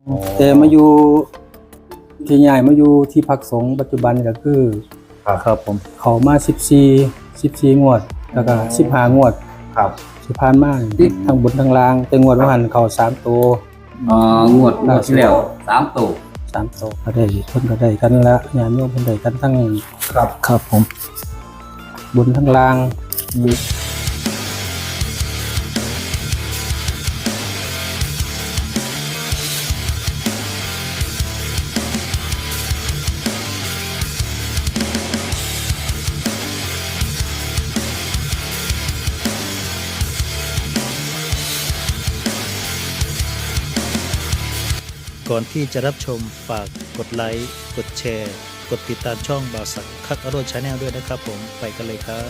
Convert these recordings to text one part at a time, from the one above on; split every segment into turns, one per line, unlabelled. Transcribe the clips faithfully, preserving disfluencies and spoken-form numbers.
แต่มาอยู่ที่ใหญ่มาอยู่ที่พักสงฆ์ปัจจุบันก็คือ
ครับครับผม
เขามาสิบสี่สิบสี่งวดแล้วก็สิบห้างวด
ครับ
สิผ่านมาทั้งบนทั้งล่างแต่งวดว่าหันเขาสามตัว
อ๋องวดงวดที่แล้วสามตัว
สามตัวก็ได้เพิ่นก็ได้กันละญาติโยมเพิ่นได้กันทั้ง
ครับครับผม
บนทั้งล่าง
ก่อนที่จะรับชมฝากกดไลค์กดแชร์กดติดตามช่องบ่าวสักคักอโรชาแนลด้วยนะครับผมไปกันเลยครับ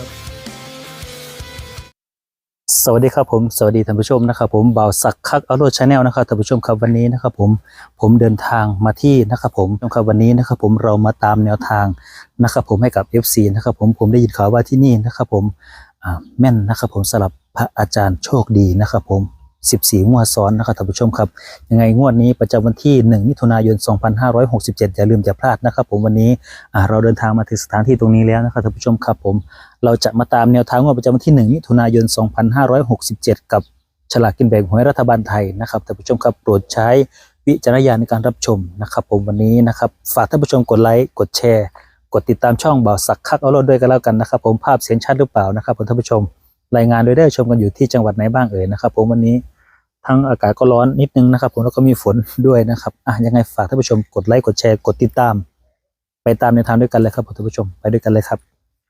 สวัสดีครับผมสวัสดีท่านผู้ชมนะครับผมบ่าวสักคักอโรชาแนลนะครับท่านผู้ชมครับวันนี้นะครับผมผมเดินทางมาที่นะครับผมครับวันนี้นะครับผมเรามาตามแนวทางนะครับผมให้กับ เอฟ ซี นะครับผมผมได้ยินข่าวว่าที่นี่นะครับผมอ่าแม่นนะครับผมสำหรับพระอาจารย์โชคดีนะครับผมสิบสี่งวดซ้อนนะครับท่านผู้ชมครับยังไงงวดนี้ประจำวันที่หนึ่งมิถุนายนสองพันห้าร้อยหกสิบเจ็ดอย่าลืมอย่าพลาดนะครับผมวันนี้อ่าเราเดินทางมาถึงสถานที่ตรงนี้แล้วนะครับท่านผู้ชมครับผมเราจะมาตามแนวทางงวดประจำวันที่หนึ่งมิถุนายนสองพันห้าร้อยหกสิบเจ็ดกับฉลากกินแบ่งหวยรัฐบาลไทยนะครับท่านผู้ชมครับโปรดใช้วิจารณญาณในการรับชมนะครับผมวันนี้นะครับฝากท่านผู้ชมกดไลค์กดแชร์กดติดตามช่องบ่าวสักคักเอาโลดด้วยกันแล้วกันนะครับผมภาพเสียงชัดหรือเปล่านะครับผมท่านผู้ชมรายงานโดยได้ชมกันอยู่ที่จังหวัดไหนบ้างเอ่ยนะครับผมวันนี้ทั้งอากาศก็ร้อนนิดนึงนะครับผมแล้วก็มีฝนด้วยนะครับอ่ะยังไงฝากท่านผู้ชมกดไลค์กดแชร์กดติดตามไปตามแนวทางด้วยกันเลยครับท่านผู้ชมไปด้วยกันเลยครับ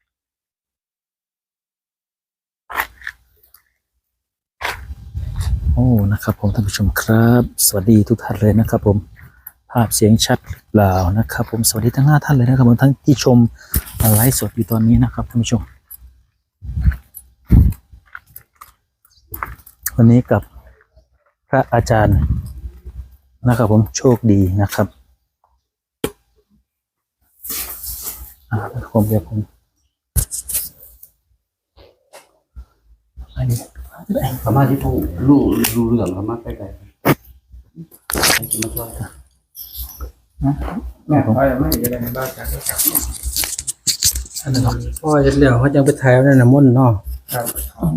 โอ้นะครับผมท่านผู้ชมครับสวัสดีทุกท่านเลยนะครับผมภาพเสียงชัดหรือเปล่านะครับผมสวัสดีทั้งห้าท่านเลยนะครับผมทั้งที่ชมไลฟ์สดอยู่ตอนนี้นะครับท่านผู้ชมวันนี้กับพระอาจารย์นะครับผมโชคดีนะครับอ่าผมเดี๋ยวผมอันนี้
สามารถที่ผู้รู้รู้เรื่องสามารถไปไกลให้จะมาช่วย
แม่ผมไม่จะได้ในบ้านกันครับ
อันนั้นพ่อจะเลี้ยวเขาจังไปถ่ายเอาในน้ำมนต์เนาะ
ครับ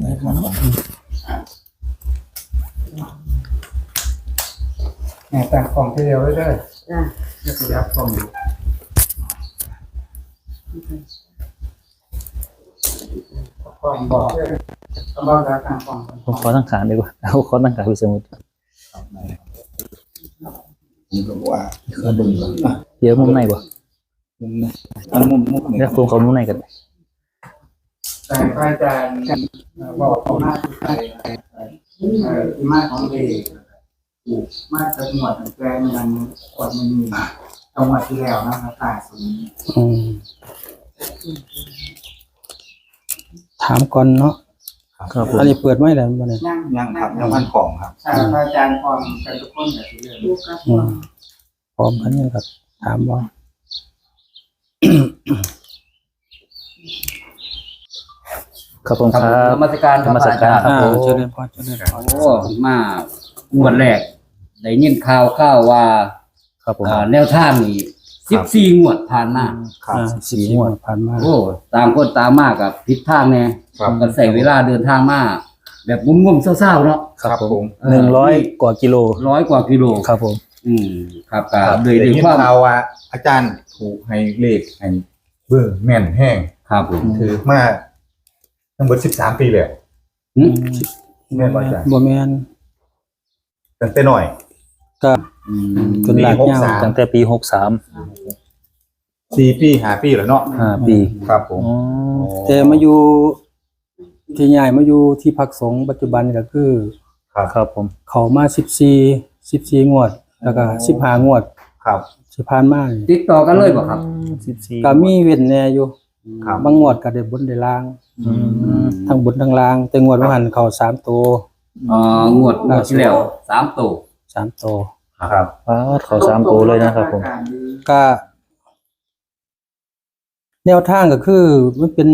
แม่ตั้งกล่องทีเดียวได้เลยจะขยับกล่องอยู่กล่องบอกต้องบอกแล้วตั้งกล่อง
ผมขอตั้งขานดีกว่าเอาขอตั้งขานไปสมุด
ผมก็ว่าเคยดูอ่ะ
เดี๋ยวมุมไหนบ่
มุมนี้อันมุมมุมนี้
เดี๋ยวผมขอมุมไหนกัน
แต่พระอาจารย์บอกเขาหน้าที่ใครที่มาของเอกถูกมาจากหมวดแปลงยังกดมันมีจังหวัดที่แล้วนะครับตายสูง
อืมถามก่อนเนาะ
ครับผม
อันนี้เปิดไม่แล้วบ่เนี่ย
ยังยังครับยังพันของครับใช่พระอาจารย์พร้อมกันทุกคนแบบที่เรื่อง
อืมพร้อมกันยังครับถามบ่
ครับผมครับ
นมัสการ
นมัสการ
อ่า
โอ้
เจริญพรเจริญพร
โอ้มางวดแรกได้ยินข่าวข่าวว่า
ครับผม
อ่าแนวทางนี้สิบสี่งวดผ่านมา
ครับ
อ่า
สี่
สี่
ง
ง
ว
ว
ด
ดผ่านมา
โอ้ตามคนตามมากกับผิดทางแน่กันใส่เวลาเดินทางมาแบบงุ่มๆเศร้าๆเนาะ
ครับผมหนึ่งร้อยกว่ากิโล
ร้อยกว่ากิโล
ครับผม
อืมครับก็
ครับ
โดย
ได้
ด้วย
ยิน
ความ
ข่าวว่าอาจารย์ถูกให้เลขให้เบอร์แม่นแห้ง
ครับผม
คือมาทั้งหมดสิบสามปีเลย
อืม
แม่นบ่อาจารย์
บ่แม่น
ตั้งแต่หน่อย
ก็
อืม
จนหลากยาว
ปีหกสาม
ตั้งแต่ปีหกสาม
สี่ปีห้าปีแล้วเนาะ
ห้าปี
ครับผม
อ๋อ
แต่มาอยู่ที่ใหญ่มาอยู่ที่พักสงฆ์ปัจจุบันก็คือ
ครับ
ครับผม
เขามาสิบสี่สิบสี่งวด แล้วก็สิบห้างวด
ครับ
สิผ่านมานี่
ติดต่อกันเลยบ่ครับ
สิบสี่
ก็มีเว้นแน่อยู่
ครับ
บางงวดก็ได้บนได้ล่าง
อืม
ทั้งบนทั้งล่าง แต่งวดว่าหันเขาสามตัว
อ๋องวดงวดที่แล้วสามตัว
สามตัว
ครับ
ป้าดขอสามตัวเลยนะครับผม
ก็แนวทางก็คือมันเป็น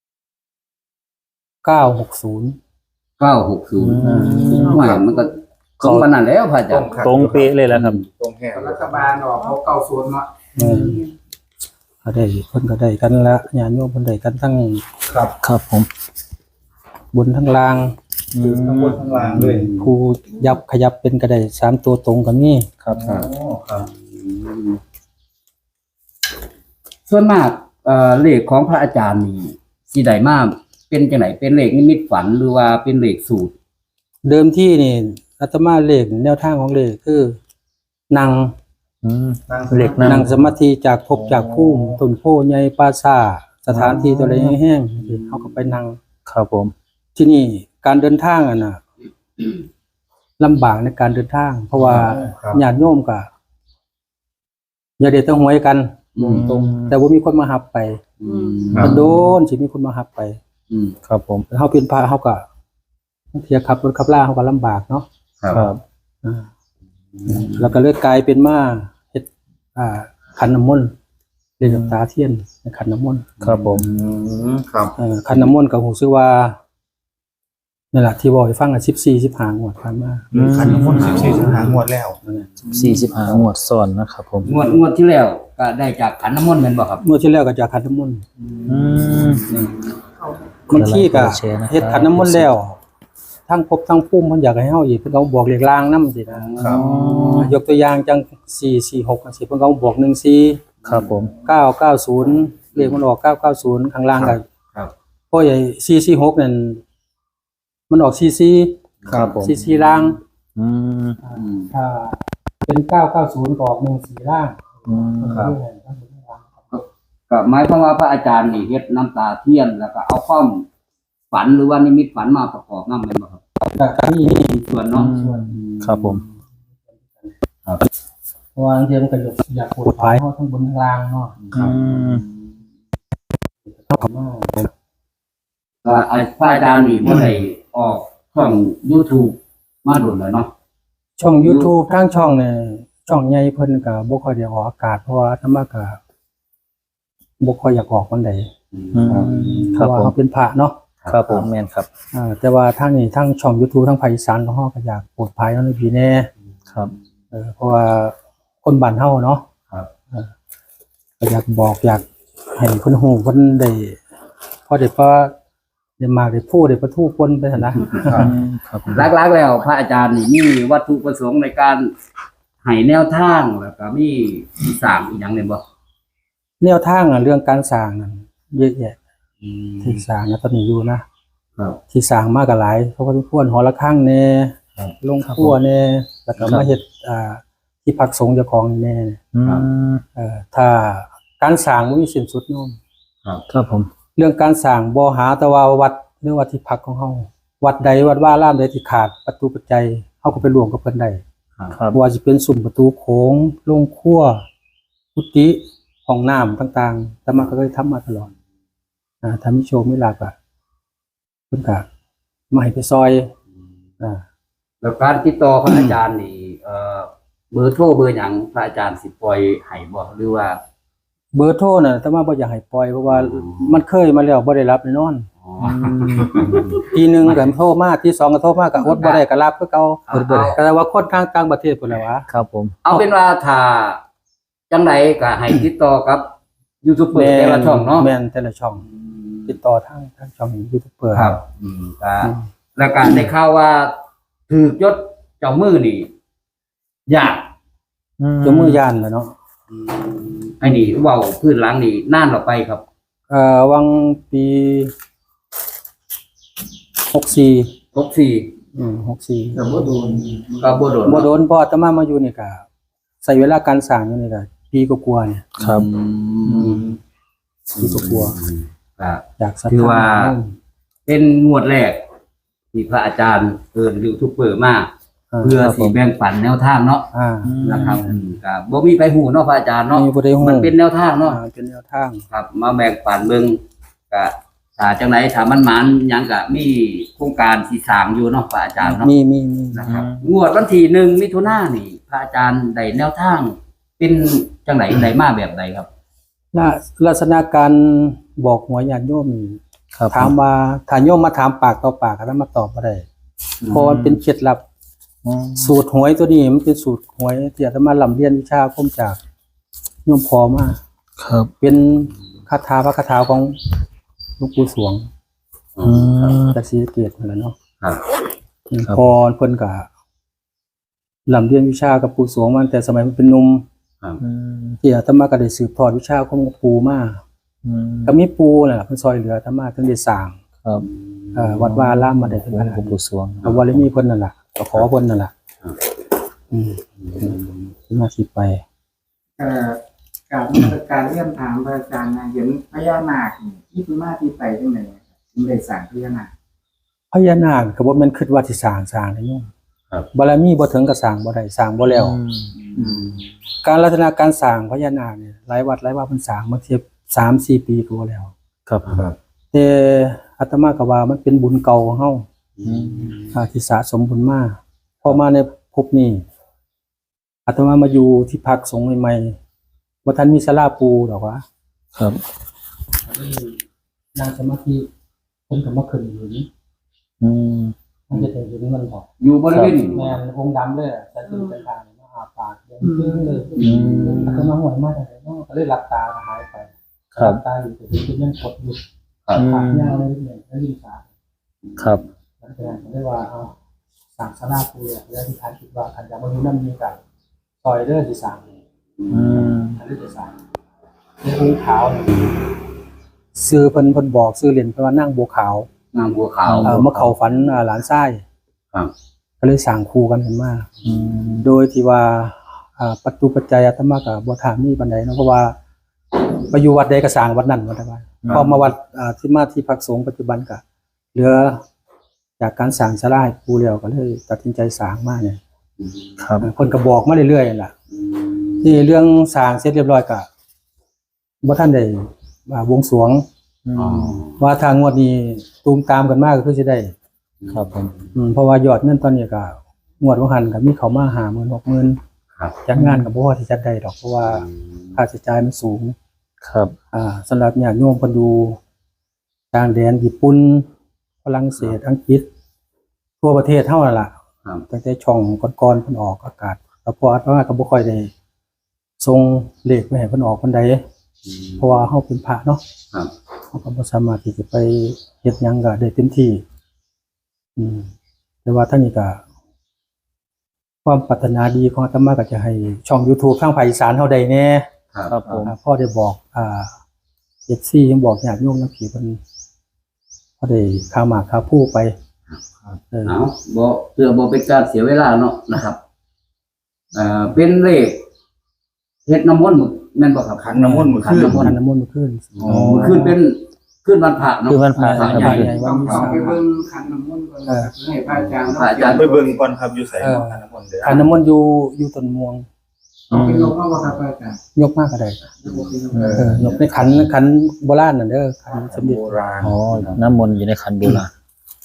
เก้าหกศูนย์
เก้าหกศูนย์หมายมันก็ตรงปานนั้นแล้วพระอาจารย์
ตรงเป๊ะเลยแหละครับ
ตรงแห้ง
รัฐบาลออกเขาเก้าศูนย์เนาะ
เออก็ได้เพิ่นก็ได้กันละญาติโยมเพิ่นได้กันทั้ง
ครับ
ครับผม
บนทั้งล่าง
คือข้างบนข้างล่างด้วย
ผู้ยับขยับเป็นก็ได้สามตัวตรงก็มี
ครับ
อ๋อครับ
ส่วนมากเอ่อเลขของพระอาจารย์นี่สิได้มาเป็นจังไดเป็นเลขนิมิตฝันหรือว่าเป็นเลขสูตร
เดิมที่นี่อาตมาเลขแนวทางของเลขคือนั่ง
อืม
นั่ง
เหล็กนั่ง
นั่งสมาธิจากภพจากภูมิต้นโพใหญ่ปราสาทสถานที่ตัวใดแห้งๆเขาก็ไปนั่ง
ครับผม
ที่นี่การเดินทางอ่ะนะลำบากในการเดินทาง เพราะว่า
ครับ
ญาติโยมก็อย่าเด็ดต้องหวยกัน
อืม
ตรงๆแต่ว่ามีคนมาหับไป
อืม
ครับ
มันโดนสิมีคนมาหับไป
อืม
ครับผม
เฮาเป็นพระเฮาก็เทียขับรถขับล่าเฮาก็ลำบากเนาะ
ครับ
ครับ
อ่าแล้วก็เลยกลายเป็นมาเฮ็ดอ่าขันน้ำมนต์เรียนน้ำตาเทียนในขันน้ำมนต์
ครับผม
อืมครับ
เอ่อขันน้ำมนต์ก็ฮู้สึกว่านั่นแหละที่บอกให้ฟังอ่ะสิบสี่ สิบห้างวดผ่านมา
ขันน้ำมนต์สิบสี่สิบห้างวดแล้ว
สี่สิบห้างวดซ้อนนะครับผม
งวดงวดที่แล้วก็ได้จากขันน้ำมนต์แม่นบ่ครับ
เมื่อที่แล้วก็จะขันน้ำมนต์
อืม
บางทีก็
คนละแชร์นะครับ
เฮ็ดขันน้ำมนต์แล้วทั้งภพทั้งภูมิเพิ่นอยากให้เฮาอีกเพิ่นก็บอกเลขลางนำสินะครับ ยกตัวอย่างจังสี่ สี่ หกจังซี่เพิ่นก็บอกหนึ่ง สี่
ครับผม
เก้า เก้า ศูนย์เลขมันออกเก้า เก้า ศูนย์ข้างล่างก็
ครับ
เพราะใหญ่สี่ สี่ หกนั่นมันออกสี่ สี่
ครับผม
สี่ สี่ล่าง
อืม
อืม
ถ้าเป็นเก้า เก้า ศูนย์ก็ออกหนึ่ง สี่ล่าง
อืม
ครับ ก็หมายความว่าพระอาจารย์นี่เฮ็ดน้ำตาเทียนแล้วก็เอาความฝันหรือว่านิมิตฝันมาประกอบนำแม่นบ่ครับ
ก็มี
มีส่วนเนาะ
ส่วน
ครับผม
เพราะว่าบางทีมันก็อยากปวดภายเฮาทั้งบนทั้งล่างเนาะ
อืม
ก็ไอ้พระอาจารย์นี่บ่ได้ออกช่อง YouTube มาโดนแล้วเนาะ
ช่อง YouTube ทางช่องเนี่ยช่องใหญ่เพิ่นก็บ่ค่อยได้ออกอากาศเพราะว่าธรรมะก็บ่ค่อยอยากออกปานใด
อืม
เพ
ครั
ราะ
บ
ว่า
ผม
เขาเป็นพระเนาะ
ครับผมแม่นครับ
อ่าแต่ว่าทางนี้ทางช่อง YouTube ทางภาคอีสานของเฮาก็อยากปลดภัยเนาะในพี่แน่
ครับ
เออเพราะว่าคนบ้านเฮาเนาะ
ครับ
เออก็อยากบอกอยากให้เพิ่นฮู้เพิ่นได้พอได้พอได้มากได้พูดได้ประทูปนไปหั่นนะ
อืมครับผม
หลักๆแล้วพระอาจารย์นี่มีวัตถุประสงค์ในการให้แนวทางแล้วก็มีสร้างอีหยังเนี่ยบ่
แนวทางอ่ะเรื่องการสร้างนั่นเยอะแยะที่สร้างนะตอนนี้อยู่นะครับ ที่สร้างมากก็หลายเพราะว่าทุกคนหอระฆังแน่
ครับ
ลงครัวแน่แล้วก็มาเฮ็ดอ่าที่พักสงฆ์เจ้าของนี่แน่
อืม
เอ่อถ้าการสร้างบ่มีสิ้นสุดโยม
ครับผม
เรื่องการสร้างบ่หาแต่ว่าวัดหรือว่าที่พักของเฮาวัดใดวัดว่ารามใดที่ขาดประตูปัจจัยเฮาก็ไปรวมกับเพิ่นได้
ครับ
บ่ว่าสิเป็นสุ่มประตูโขงโรงครัวกุฏิห้องน้ำต่างๆแต่มาก็เคยทำมาตลอดอ่าถ้ามีโชคมีลาภก็เพิ่นก็มาให้ไปซอยอ่า
แล้วการติดต่อพระอาจารย์นี่เอ่อเบอร์โทรเบอร์หยังพระอาจารย์สิปล่อยให้บ่หรือว่า
เบอร์โทรน่ะแต่ว่าบ่อยากให้ปล่อยเพราะว่ามันเคยมาแล้วบ่ได้รับแน่นอน
อ๋อ
ทีหนึงก็โทรมาที่สองก็โทรมาก็อดบ่ได้ก็รับคือเก่า
อดบ่ได้
ก็แต่ว่าคนทางต่างประเทศพุ่นแหละวะ
ครับผม
เอาเป็นว่าถ้าจังไดก็ให้ติดต่อกับยูทูบเบอร์แต่ละช่องเนาะ
แม่นแต่ละช่อง ติดต่อทางทางช่องยูทูบเบอร์
ครับ อืมก็แล้วก็ได้ข่าวว่าถูกยศเจ้ามือนี่ยาก
เจ้ามือย่านแหละเนาะ
ไอ้นี่เว้าพื้นหลังนี่นานออกไปครับ
เอ่อวังปีหกสี่
หกสี่
อืมหกสี่
แต่ว่าโดน
ก็บ่โดน
บ่โดนพออาตมามาอยู่นี่ก็ใช้เวลาการสร้างอยู่นี่ก็ปีกว่าๆเนี่ย
ครับ
ปีกว่า
ก็
ๆอยากศรัท
ถือ
ธา
ว่า เป็นงวดแรก ที่พระอาจารย์เอิ้นยูทูบเบอร์มาเพื่อสิแบ่งปันแนวทางเนาะ
อ่า
นะครับอืมก็บ่มีไปหูเนาะพระอาจารย์เนาะ
มีบ่ได้ฮู้
มันเป็นแนวทางเนาะ
อ่าเป็นแนวทาง
ครับ มาแบ่งปันเบิ่งก็ถ้าจังไดถ้ามันหมานหยังก็มีโครงการสิสร้างอยู่เนาะพระอาจารย์เนาะ
มีมีมี
นะครับงวดวันที่หนึ่งมิถุนายนนี่ พระอาจารย์ได้แนวทาง เป็นจังไดได้มาแบบใดครับ
ลักลักษณะการบอกหัวญาติโยมนี่
ครับ
ถามว่าถ้าโยมมาถามปากต่อปากก็ต้องมาตอบบ่ได้เพราะมันเป็นเคล็ดลับ
อืม
สูตรหวยตัวนี้มันเป็นสูตรหวยที่อาตมาลำเรียนวิชาอาคมจากโยมพอมา
ครับ
เป็นคาถาพระคาถาของหลวงปู่สวง
อืม
จากศรีสะเกษนั่นแหละเนาะ
ครับ
ครับ
พอเพิ่นก็ลำเรียนวิชากับปู่สวงมาตั้งแต่สมัยมันเป็นหนุ่ม
อืม
ที่อาตมาก็ได้สืบทอดวิชาของหลวงปู่มา
อืม
ก็มีปู่นั่นล่ะเพิ่นซอยเหลืออาตมาถึงได้สร้าง
ครับ
เอ่อวัดวาอารามมาได้ถึง
หล
ข
ว
นาด
ง
นี้
ปู่สวง
เอาวาริมีเพิ่นนั่นล่ะก็ขอเพิ่นนั่นล่ะอืมที่มาที่ไป
เอ่อการการเรียนถามพระอาจารย์นะเห็นพญานาคนี่ที่เป็นมาที่ไปจังได๋ถึงได้สร้างพญานาค
พญานาคก็บ่แม่นคิดว่าสิสร้างสร้างได้โยม
ครับ
บารมีบ่ถึงก็สร้างบ่ได้สร้างบ่แล้ว
อืม
การลักษณะการสร้างพญานาคเนี่ยหลายวัดหลายว่าเพิ่นสร้างมาเทียบ สามสี่ ปีก็บ่แล้ว
ครับ
ครับ
แต่อาตมาก็ว่ามันเป็นบุญเก่าของเฮา
อืม
อ่าที่สะสมบุญมาพอมาในภพนี้อาตมามาอยู่ที่พักสงฆ์ใหม่ๆบ่ทันมีศาลาปูดอกว่า
ครับ
นั่งสมาธิเพิ่นก็มาขึ้นอยู่นี่
อืม
มันจะได้เห็นมันบอก
อยู่บริเวณนี้
แม่นองค์ดำเลยอะแต่เป็นเป็นทางมาหาปากเดินขึ้นเลย
อืม
อาตมาหวยมากเลยเนาะก็เลยหลับตาก็หายไป
ครับ
หลับตาอยู่แต่ที่ยังกดอยู่
ครับ
ขายาวเลยเนี่ยแล้วยิงสา
ครับ
หลังจากนั้นผมได้ว่าเอาสั่งสลาปูเนี่ยแล้วที่ทานคิดว่าขันยาบรรลุน้ำมีกันซอยเด้อที่สั่ง
อืม
อันนี้ที่สั่งในองค์ขาวเนี่ยซื้อเพิ่นเพิ่นบอกซื้อเหรียญเพิ่นว่านั่งบัวขาว
นางบัวขาว
เอ่อเมื่อเขาฝันอ่าหลานไส้
ครับ
ก็เลยสั่งคู่กันขึ้นมา
อืม
โดยที่ว่าอ่าปัจจุปัจจัยอาตมากับบัวถามมีปันใดเนาะเพราะว่าไปอยู่วัดใดก็สร้างวัดนั้นวัดใดพอมาวัดอ่าที่มาที่พักสงฆ์ปัจจุบันก็เหลือจากการสร้างศาลาให้ปูแล้วก็เลยตัดสินใจสร้างมาเนี่ย
ครับ
คนก็บอกมาเรื่อยๆนั่นล่ะที่เรื่องสร้างเสร็จเรียบร้อยก็บ่ท่านได้อ่าบวงสรวง
อื
อ๋อ
ม
ว่าทางงวดนี้ตูมตามกันมากก็คือสิได้
ครับผม
อืมเพราะว่ายอดเงินตอนนี้ก็งวดว่าหันก็มีเขามาหาหมื่นหกหมื่น
ครับ
จัดงานกับบ่พอที่จัดได้ดอกเพราะว่าค่าใช้จ่ายมันสูง
ครับ
อ่าสำหรับญาติโยมเพิ่นดูต่างแดนญี่ปุ่นฝรั่งเศสอังกฤษทั่วประเทศเฮานั่นล่ะ
ครับ
ตั้งแต่ช่องก่อนๆเพิ่นออกอากาศแล้วพออาตมาก็บ่ค่อยได้ส่งเลขไปให้เพิ่นออกปานใดเพราะว่าเฮาเป็นพระเนาะ
ครับ
เฮาก็บ่สามารถที่จะไปเฮ็ดหยังก็ได้เต็มที่ อืมแต่ว่าท่านนี้ก็ความปรารถนาดีของอาตมาก็จะให้ช่อง YouTube ทางภาคอีสานเฮาได้แน่
ครับ
ครับผม
อ่าพ่อได้บอกอ่า เอฟ ซี ยังบอกญาติโยมนักผีเพิ่นพอได้ข้าวหมากข้าวผู้ไปเออ
เอาบ่เพื่อบ่เป็นการเสียเวลาเนาะนะครับเอ่อเป็นเลขเฮ็ดน้ำมนต์มื้อแม่นบ่ครับ
ขันน้ำมนต์มื้อ
ขัน
คืน
น้ำมน
ขัน
ต์
น้ำมนต์มาขึ้น
อ๋อมื้อคืนเป็นคืนวันพระเนาะ
คืนวันพระ
พระ
ครับ
ใหญ่
ใหญ่
ต้องต้องไปเบิ่งขันน้ำมนต์ก่อนนะครับให้พระอาจารย์
พระอาจารย์
ไปเบิ่งก่อนครับอยู่ไสขันน้ำมนต์เด้อ
ขันน้ำมนต์อยู่อยู่ต้นม่วง
ต้องไปลงเอาว่าครับพระอาจารย์
ยกมากก็ได้
เอ
เออยกในขันขันโบราณนั่นเด้อขันสมเด็จ
โบราณ
อ๋อน้ำมนต์อยู่ในขันโบราณ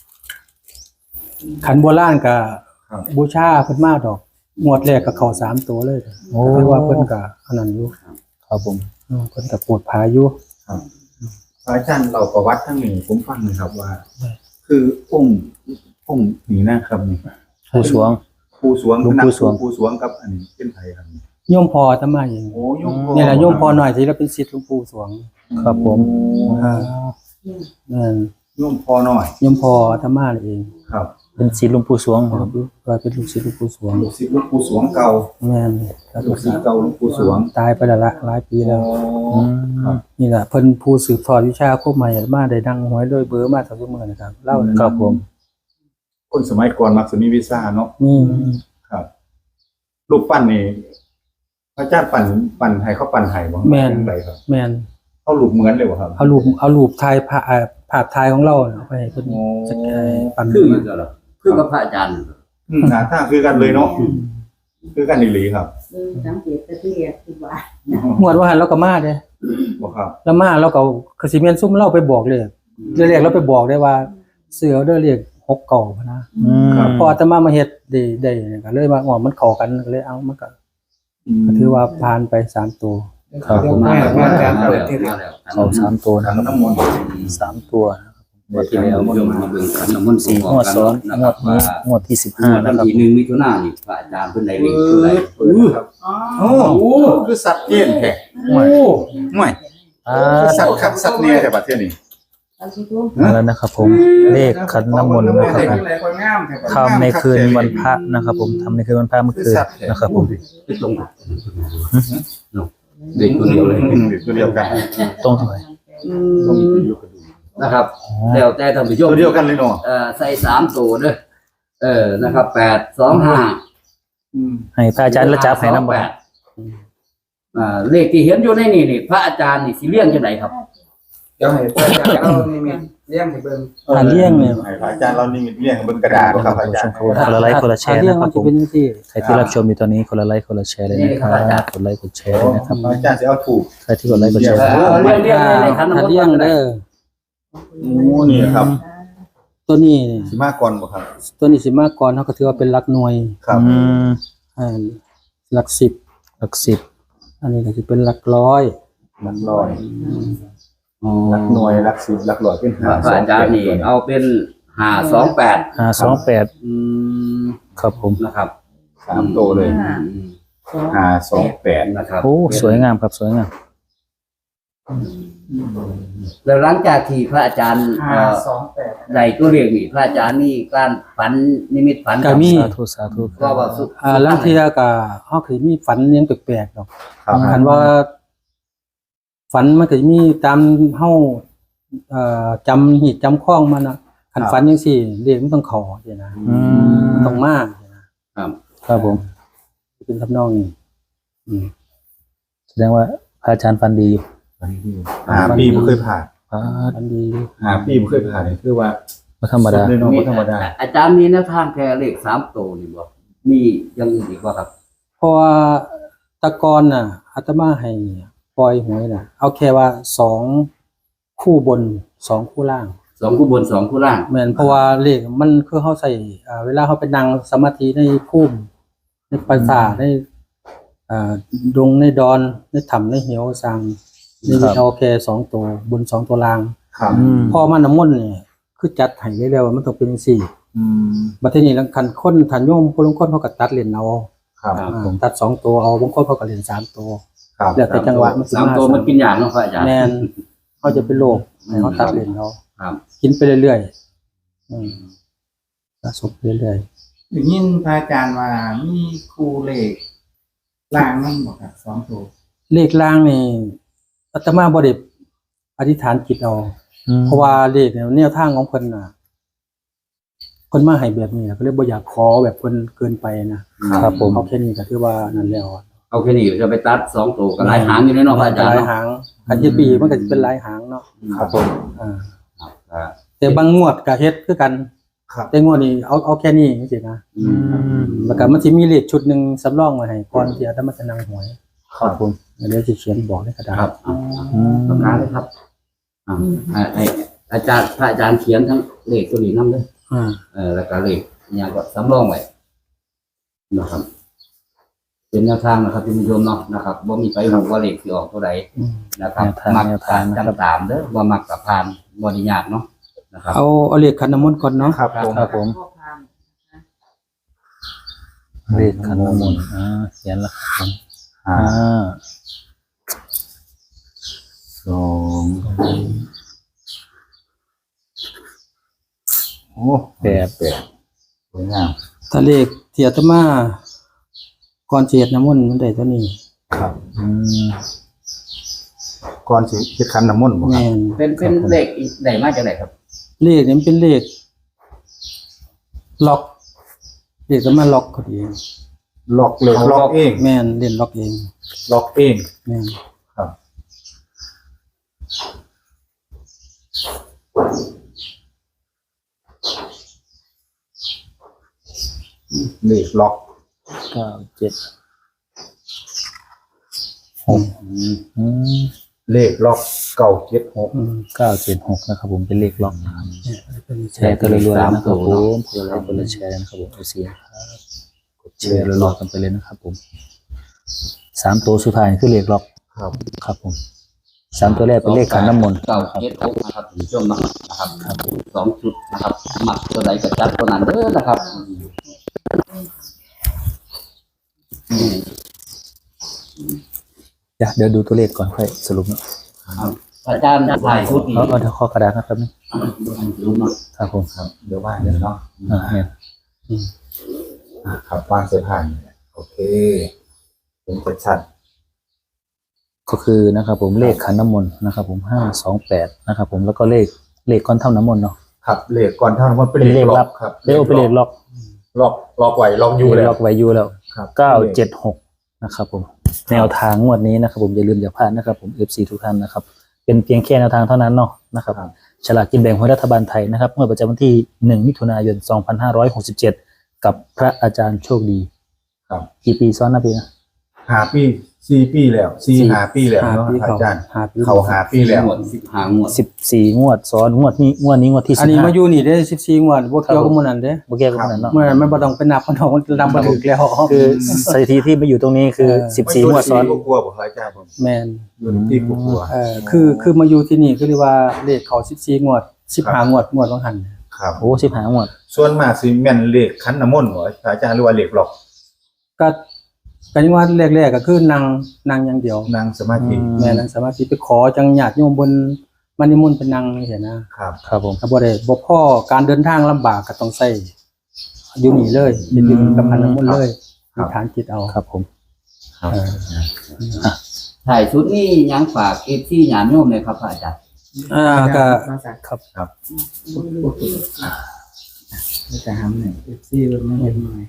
ขันโบราณก็
ครับ
บูชาเพิ่นมาดอกงวดแรกก็เข้าสามตัวเลย
โอ้
เพราะว่าเพิ่นก็อันนั้นอยู่
ครับผม
เออเพิ่นก็ปวดผาอยู่
พระอาจารย์เราประวัติทั้งนี้ผมฟังหนะครับว่า คือองค์องค์นี้นะครับนี่
ผู้สวง
ผู้สวง
หลวงปู่สวง
ผู้สวงกับอันนี้เป็นไผครับนี่
โยมพออาตมาเอง
โอ้ยมพ่อ
นี่แหละโยมพอหน่อยที่เราเป็นศิษย์หลวงปู่สวง
ครับผม
อ่านั่น
โยมพ่อน้อย
โยมพออาตมาเอง
ครับ
เป็นศิษย์หลวงปู่สวงครับ
ว่าเป็นลูกศิษย์หลวงปู่สวง
ลูกศิษย์หลวงปู่สวงเก่า
แม่นแล้ว
ลู
ก็
กศิษย์เก่าหลวงปู่สวง
ตายไปแล้วละหลายปีแล้ว
อื
ครั
ม
บ
นี่แหละเพิ่นผู้สืบทอดวิชาควบใหม่มาได้ดังหวยด้วยเบอร์มาทั้งมื้อนะครับเล่าเลย
ครับผม
คนสมัยก่อนมักจะมีวีซ่าเนาะ
นี่
ครับรูปปั้นนี่พระอาจารย์ปั่นปั่นให้เขาปั่นให้บ่เป็นไรครับ
แม่น
เขารูปเหมือนเลยบ่ครับ
เอารูปเอารูปถ่ายภาพเอ่อภาพถ่ายของเราเนี่ยเอาไปให้เพิ่น
โอ้
จัดการปั่น
คืออยู่แล้วเหรอคือกับพระอาจารย์
อืมหน้าตาคือกันเลยเนาะคือกันอีหลีครับ
เออสังเกตตะเกียบคือว่า
หวดว่าหันเราก็มาเด้
บ่ครับ
แล้วมาเราก็คือสิแม่นซุ่มเราไปบอกเลยเรียกเราไปบอกได้ว่าเสือเด้อเรียกหกเก่าพะนะ
อืม
พออาตมามาเฮ็ดได้ได้เนี่ยก็เลยว่าอ๋อมันเข้ากันก็เลยเอามันก็ก็ถือว่าผ่านไปสามตัว
ครับผม
มา
ให้
แล้ว
พระอาจารย์
มา
เปิด
แล้ว
ที่
มาแล้ว
เขาสามตัว
ขั
นะ
น
ครับ
น้ำมนต์
สามตัวงวดที่แล้ว
โยมมาเบิ่งขันน้ำมนต์
สี่
ประ
ง
ก
ว
อบ
ด
กัน
ซ้อน
นะ
ง
คว รั
ด
บ
นี้
ว่าง
วดที่สิบห้า
วั
นะ
น
ครับ
ที่หนึ่งมิถุนายนนี่พระอาจารย์เพิ่นได้เลข
เอ
ตัวใด
อเปิดนะครับ
อ๋
โอ้คือสัตว์เจนแท้
โอ้
ห่วย
อ่า
คือสัตว์คักสัตว์เนี่ยแต่บัดเทื่อนี้
เอาสิทุก
มาแล้วนะครับผมเลขขันน้ำมนต์นะครับ
ได้
ผม
อะไรคนงามแท้
ทำในคืนวันพระนะครับผมทำในคืนวันพระเมื่อคืนนะครับผม
ไปตรงกันเนาะเด็กตัวเดียวเลย
อืมตัวเดียวกัน
ตรงเท่าไหร่
ต้องอยู่กันดู
นะครับแล้วแต่ท่านผู้ชม
ตัวเดียวกันเลยเนาะ
เอ่อใส่สามตัวเด้อเออนะครับแปดสองห้า
อืม
ให้พระอาจารย์และจับให้น้ำ
แป
บ่
ดอ่าเลขที่เห็นอยู่ในนี่นี่พระอาจารย์นี่สิเลี้ยงจังไดครับ
เดี๋ยวให้พระอาจารย์เอานี่มีเลี้ยงให้เบิ่ง
อ่าเลี่ยงเนี่ย
ให้พระอาจารย์เรานี่เลี้ยงบนกระดาษบ่ครับอาจารย์
คนละไลค์คนละแชร์
เรื่อ
นะ
ง
ค
มั
รั
น
บผ
จะ
ม
เป็นที่
ใครที่รับชมอยู่ตอนนี้คนละไลค์คนละแชร์เลยนะครับกดไลค์กดแชร์เลยนะครับ
พระอาจารย์สิเอาถูก
ใครที่กดไลค์กดแชร์
เออเลี้ยงเลี้ยงในขันน้ำม
ถ้าน
ต์
เลี้ยงเด้อ
โอ้นี่ครับ
ตัวนี้
สิมาก่อนบ่ครับ
ตัวนี้สิมากก่อนเขาก็ถือว่าเป็นหลักหน่วย
ครับ
อืม
อ่าหลักสิบ
หลักสิบ
อันนี้ก็จะเป็นหลักร้อย
หลักร้อย
อ๋อ
หลักหน่วยหลักสิบหลักร้อยเป็น
พระอาจารย์นี่เอาเป็นห้าสองแปด
ห้าสองแปด
อืม
ครับผม
นะครับ
สามโตวเลย
อืม
ห้าสองแปด
นะครับ
โอ้สวยงามครับสวยงาม
แล้วหลังจากที่พระอาจารย์
ห้า
เอ่อ
สองแปด
ได้ตัวเลขนี่พระอาจารย์นี่การฝันนิมิตฝัน
ก็มี
สาธุสาธุ
ก็ว่าสุด
อ่าลังเทียก็เฮาเคยมีฝันยังแปลกๆดอก
ครับ
คันว่า ฝันมันก็จะมีตามเฮาเอ่อจำหีดจำข้องมันน่ะคันฝันจังซี่เรียกมันต้องเขอจังนะ
อืม
ต้องมาจังนะครับ
ครับผม
เป็นทำนองนี้อืม
แสดงว่าพระอาจารย์ฟันดีอยู่
หาปีบ่เคยผ่าน
อ่า
ฝันดีอยู่
หาปีบ่เคยผ่านนี่คือว่า
ไม่ธรรมดา
สุเลยเนาะบ่ธรรมดา
อาจารย์มีแนวทางแค่เลขสามตัวนี่บ่มีอยังอื่นอีกบ่ครับ
เพราะว่าแตะกอนน่ะอาตมาให้ปล่อยหวยน่ะ เอาแค่ว่าสองคู่บนสองคู่ล่าง
สองคู่บนสองคู่ล่าง
แม่นเพราะว่าเลขมันคือเฮาใส่อ่าเวลาเฮาไปนั่งสมาธิในภูมิในปราสาทในอ่าดงในดอนในถ้ำในเหวสังนี่เอาแค่สองตัวบนสองตัวล่าง
ครับ
อืม
พอมันน้ำมนต์นี่คือจัดให้เร็วๆมันต้องเป็นจังซี่
อืม
บัดทีนี้ลังคันคนทันโยมคนลางคนเขาก็ตัดเล่นเอา
ครับ
อ่าตัดสองตัวเอาบางคนเขาก็เล่นสามตัว
ครับ
แล้วแต่จังหวะมันสิ
สาม
มา
ตัวมันกินอย่างเนาะพระอาจารย์
แม่นเขาจะเป็นโรคให้เขาตัดเล่นเอา
ครับ
กินไปเรื่อยๆอืมสะสมไปเรื่อย
อย่างนี้พระอาจารย์ว่ามีครูเลขล่างนั่นบอกครับสองตัว
ๆเลขล่างนี่อาตมาบ่ได้อธิษฐานจิตเอา
อืม
เพราะว่าเลขเนี่ยแนวทางของเพิ่นน่ะเพิ่นมาให้แบบนี้นะก็เลยบ่อยากขอแบบเพิ่นเกินไปนะครับ
ผม
เอาแค่นี้ก็ถือว่านั่นแล้ว
เอาแค่นี้จะไปตัดสองตัวก็หลายหางอยู่ในเนาะพระอาจารย์
หลาย
เนาะ
หางคันเฮ็ดปีมันก็จะเป็นหลายหางเนาะ
ครับผม
อ่า
ครับครับ
แต่บางงวดก็เฮ็ดคือกัน
ครับ
แต่งวดนี้เอาเอาแค่นี้จังซี่นะ
อื
อื
ม
ม
แล้วก็มันสิมีเลขชุดหนึงสำรองไว้ให้ก่อนที่อาตมาจะนั่งหวย
ครับผม
เดี๋ยวสิเขียนบอกในกระดาษ
ครับอ่า
อืม
ปากกาเลยครับอ่าให้ให้อาจารย์พระอาจารย์เขียนทั้งเลขตัวนี้นำเลย
อ่า
เออแล้วก็เลขเนี่ยก็สำรองไว้นะครับ เป็นแนวทางนะครับท่านผู้ชมเนาะนะครับว่ามีไปหูว่าเลขสิออกตัวใด
อืม
นะครับ
แนวทาง
มัก
แนว
ผ่า
ทาง
น
นะครับ
จำตามเด้อว่ามักกับผ่านบ่ได้ยากเนาะนะครับ
เอาเอาเลขขันน้ำมนต์ก่อนเนาะ
ครับผม
ครับผม
พ่อพาม
เลขขันน้ำมนต์อ่าเขียนแล้วครับผม
ห้า
อ่า
สองโอ้แปดแปดสวยงาม
ถ้าเลขที่อาตมาก่อนสิเฮ็ดน้ำมนต์มันได้เท่านี้
ครับ
อืม
ก่อนสิเฮ็ดขันน้ำมนต์บ่ครั
แม่
บ
น
เป็นเป็นเลขอีกไหนมาจากไหนครับ
เลขนี่มันเป็นเลขล็อกเลขก็มาล็อกเขาเอง
ล็อกเลยล็อกเอง
แม่นเล่นล็อกเอง
ล็อกเอง
แม่น
ครับเลขล็อก
เก้าเจ็ดหกอืม
เลขล็อกเก้าเจ็ดหก
อืม
เก้าเจ็ดหกนะครับผมเป็นเลขล็อกนะครับ
เนี่ยเป็น
แชร์กันเรื่อยๆนะครับผมคนละไลค์คนละแชร์นะครับผมเอซีครับกดแชร์รอๆกันไปเลยนะครับผมสามตัวสุดท้ายคือเลขล็อก
ครับ
ครับผมสามตัวแรกเป็นเลขขันน้ำมนต์
เก้าเจ็ดหกนะครับถึงช่วงนั้นนะครับสองชุดนะครับหมักตัวไหนก็จัดตัวนั้นเด้อนะครับอืม
เดี๋ยวเดี๋ยวดูตัวเลขก่อนค่อยสรุปเนาะ
ครับอาจารย์ถ่ายชุดนี้
เอาเอาเดี๋ยวข้อกระดาษนะครับนี่
รู้เนาะ
ครับผม
ครับเดี๋ยวว่างเดี๋ยวเนาะ
อ่าเนี่ย
อ่ะครับวางเสื้อผ้าเนี่ยโอเคเป็นชัด
ก็คือนะครับผมเลขขันน้ำมนต์นะครับผมห้าสองแปดนะครับผมแล้วก็เลขเลขก้อนเท่าน้ำมนต์เนาะ
ๆครับเลขก่อนเท่านั้นว่าเป็น
เป็นเล
เล
ข
ข
ลั
ล็
บ
อกครับ
เลขเป็นเลขล็อก
ล็อกล็อกไว้ล็อกอยู่เลย
ล็อกไว้อยู่แล้ว
ครับ
เก้าเจ็ดหกนะครับผมแนวทางงวดนี้นะครับผมอย่าลืมอย่าพลาดนะครับผม เอฟ ซี ทุกท่านนะครับเป็นเพียงแค่แนวทางเท่านั้นเนาะนะครับฉลากกินแบ่งของรัฐบาลไทยนะครับงวดประจำวันที่หนึ่งมิถุนายนสองพันห้าร้อยหกสิบเจ็ดกับพระอาจารย์โชคดี
ครับ
กี่ปีซ้อนนะพี่นะ
หาปีสี่ปีแล้วสี่
สี่
หาปีแล้ว
หา
เนาะ
ปี
อา
เขา
จารย์
หาปี
เขาหาปีแล้ว
งวดสิบหางวด
สิบสี่งวดซ้อนงวดนี้งวดนี้งวดที่
อั
สิ
น
บ
นี้
ห้า
มาอยู่นี่ได้สิบสี่งวดบ่เกี่ยวกับหมื้อนั้นเด้
โอเคกับคนนั้นเนาะ
เมื่อนั้นมันบ่ต้องไปนับมันเอามันนำบ่ถึกแล้ว
คือสถิติที่มาอยู่ตรงนี้คือ
เออ
สิบสี่งวดซ้อน
กลัวๆบอกอาจารย์ผม
แม่น
อยู่ในที่กลัว
เอ่อคือคือมาอยู่ที่นี่คือเรียกว่าเลขเขาสิบสี่งวดสิบห้างวดงวดบางหัน
ๆครับ
โอ้สิบห้างวด
ส่วนมากสิแม่นเลขคันน้ำมนต์บ่อาจารย์หรือว่าเลขล็อก
ก็ก็ยังว่าแรกๆก็คือนางนางอย่างเดียว
นั่งสมาธิ
อืม
แม่นางสมาธิไปขอจังญาติโยมบนมันนิมนต์เป็นนางนี่เห็นนะครับ
ครับผม
ก็บ่ได้บ่พอการเดินทางลำบากก็ต้องใช้อยู่นี่เลยเป็นอยู่กับพันน้ำมนต์เลยมีฐานจิตเอา
ครับผม
ครับ
เออ
ถ่ายชุดนี้ยังฝากเอฟซีหยาดโยมเลยครับพระอาจารย์
อ่าก็
ครับ
จะทำหนึ่งเอฟซีมันไม่เห็นหน่อย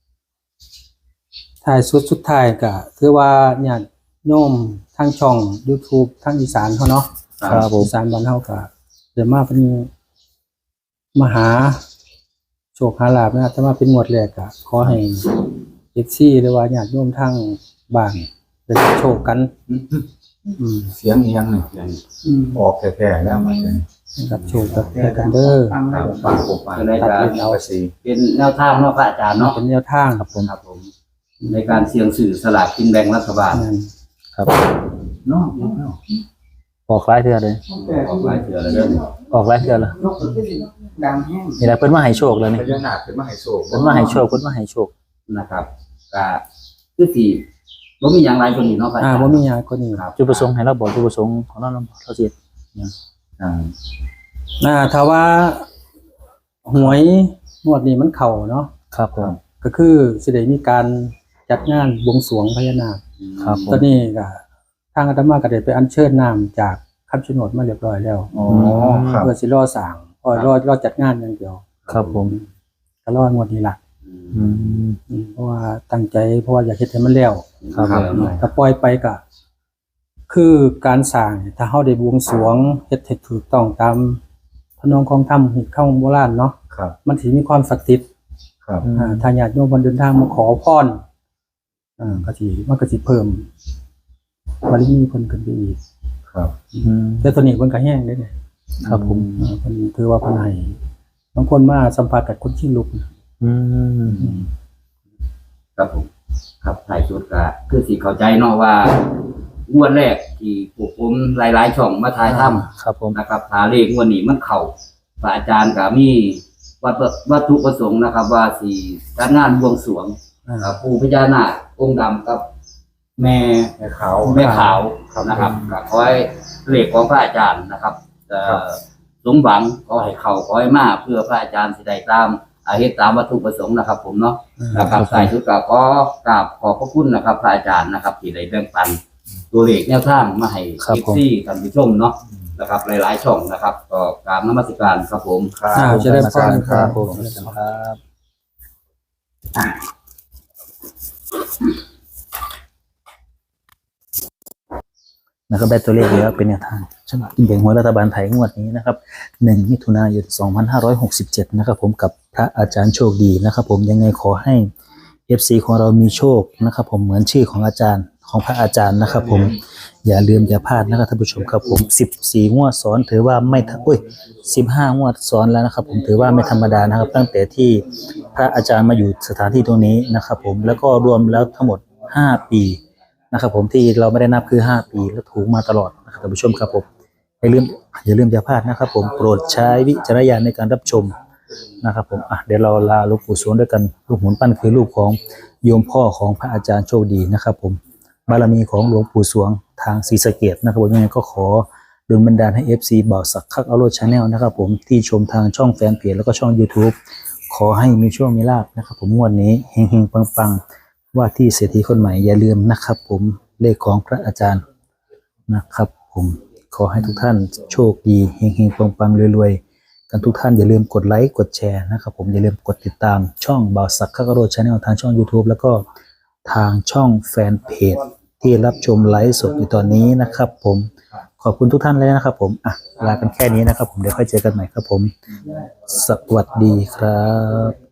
ท้ายสุดสุดท้ายก็คือว่าญาติโยมทางช่อง YouTube ทางอีสานเฮาเนาะ
ครับผม
อีสานบ้านเฮาก็เดี๋ยวมาเป็นมาหาโชคหาลาภนะถ้ามาเป็นงวดแรกก็ขอให้ เอฟ ซี หรือว่าญาติโยมทางบ้านได้โชคกัน อืม
เสียงอีหยังนี่
อืม
ออกแท้ๆแล้วอาจารย์
รับโชคกับแกันเด้อ
ฟัง
ค
แล้
รั
ว
บ
ปากปาก
ก็ได้จะ
เอาไปสิ
เป็นแนวทางเนาะพระอาจารย์เนาะ
เป็นแนวทางครับผม
ครับผมในการเสี่ยงสื่อสลากกินแบ่งรัฐบาล
นั่น
ครับ
เนาะ
ออกหลายเทื่อเลย
ออกหลายเถื่อแล้วเรื่อง
ออกหลายเทื่อแล้ว
นกก็ขึ้นดังแห้ง
นี่แหละเพิ่นมาให้โชคแล้ว
พ
นี่
ญานาคขึ้นมาให้โชค
เพิ่นมาให้โชคเพิ่นมาให้โชค
นะครับก็คือสี่บ่มีอย่างไรคนนี้เนาะพระอา
อ่า
จารย์
บ่มีหยังคนนี้
ครับ
จุดประสงค์ให้เราบอกจุดประสงค์ของเราเราบอกเราสิ
อ่า
อ่าถ้าว่าหวยงวดนี้มันเข้าเนาะ
ครับผม
ก็คือสิได้มีการจัดงานบวงสรวงพญานาค
ครับผ
ตอ
ม
นนี้ก็ทางอาตมาก็ได้ไปอัญเชิญน้ำจากคำชะโนดมาเรียบร้อยแล้ว
อ๋อครับ
เพื่อสิรอสร้างพอรอรอจัดงานอย่างเดียว
ครับผม
ก็รองวดนี้ล่ะ
อืม
อืมเพราะว่าตั้งใจเพราะว่าอยากเฮ็ดให้มันแล้ว
ครับผม
ถ้าปล่อยไปก็คือการสร้างเนี่ยถ้าเฮาได้บวงสรวงเฮ็ดให้ถูกต้องตามพระนองของธรรมหิตเข้าโบราณเนาะ
ครับ
มันสิมีความศักดิ์สิทธิ์
ครับ
อ่าถ้าญาติโยมเพิ่นเดินทางมาขอพรอ่าก็สิมันก็สิเพิ่มบารมีเพิ่นขึ้นไปอีก
ครับ
อืม
แต่ตัวนี้เพิ่นก็แห้งเด้เนี่ย
ครับผม
อ่าเพิ่นถือว่าเพิ่นให้บางคนมาสัมผัสกับคนชิงลุก
อืม
ครับผมครับถ่ายชุดก็คือสิเข้าใจเนาะว่างวดแรกที่พวกผมหลายๆช่องมาถ่ายทำ
ครับผม
นะครับหาเลขงวดนี้มันเข้าพระอาจารย์ก็มีวัตถุวัตถุประสงค์นะครับ ว่าสิจัดงานบวงสรวง
อ่า
อ่าปู่พญานาคองค์ดำกับ แม่
ให้เขา
แม่ขาว
ครับ
นะครับก็ขอให้เลขของพระอาจารย์นะครับเอ่อ
ครับ
สมหวังขอให้เขาขอให้มาเพื่อพระอาจารย์สิได้ตามอาเหตุตามวัตถุประสงค์นะครับ ผมเนาะนะครับสายชุดก็ขอกราบขอบพระคุณนะครับ พระอาจารย์นะครับที่ได้แบ่งปันตัวเลขแนวทางมาให้
ครับ
เอฟ
ผม
ซีท่านผู้ชมเนาะนะครับ หลายๆช่องนะครับก็กราบนมัสการครับผม
ครับ
อ่าจะได้พร
ครับผมครับ นะครับได้ตัวเลขแล้วเป็นแนวทางฉลากกินแบ่งหวยรัฐบาลไทยงวดนี้นะครับหนึ่งมิถุนายนสองพันห้าร้อยหกสิบเจ็ดนะครับผมกับพระอาจารย์โชคดีนะครับผมยังไงขอให้ เอฟ ซี ของเรามีโชคนะครับผมเหมือนชื่อของอาจารย์ของพระอาจารย์นะครับผมอย่าลืมอย่าพลาดนะครับท่านผู้ชมครับผมสิบสี่งวดซ้อนถือว่าไม่ทักอุ้ยสิบห้างวดซ้อนแล้วนะครับผมถือว่าไม่ธรรมดานะครับ ตั้งแต่ที่พระอาจารย์มาอยู่สถานที่ตรงนี้นะครับผมแล้วก็รวมแล้วทั้งหมดห้าปีนะครับผมที่เราไม่ได้นับคือห้าปีแล้วถูกมาตลอดนะครับท่านผู้ชมครับผมอย่าลืมอย่าลืมอย่าพลาดนะครับผมโปรดใช้วิจารณญาณในการรับชมนะครับผมอ่ะเดี๋ยวเราลาหลวงปู่สวงด้วยกันรูปหมุนปั้นคือรูปของโยมพ่อของพระอาจารย์โชคดีนะครับผมบารมีของหลวงปู่สวงทางศรีสะเกษนะครับผมยังไงก็ขอดลบันดาลให้ เอฟ ซี บ่าวสักคักอโรจน์ Channel นะครับผมที่ชมทางช่องแฟนเพจแล้วก็ช่อง YouTube ขอให้มีโชคมีลาภนะครับผมงวดนี้เฮงๆปังๆว่าที่เศรษฐีคนใหม่อย่าลืมนะครับผมเลขของพระอาจารย์นะครับผมขอให้ทุกท่านโชคดีเฮงๆปังๆรวยๆกันทุกท่านอย่าลืมกดไลค์กดแชร์นะครับผมอย่าลืมกดติดตามช่องบ่าวสักคักอโรจน์ Channel ทางช่อง YouTube แล้วก็ทางช่องแฟนเพจที่รับชมไลฟ์สดอยู่ตอนนี้นะครับผมขอบคุณทุกท่านเลยนะครับผมอ่ะลากันแค่นี้นะครับผมเดี๋ยวค่อยเจอกันใหม่ครับผมสวัสดีครับ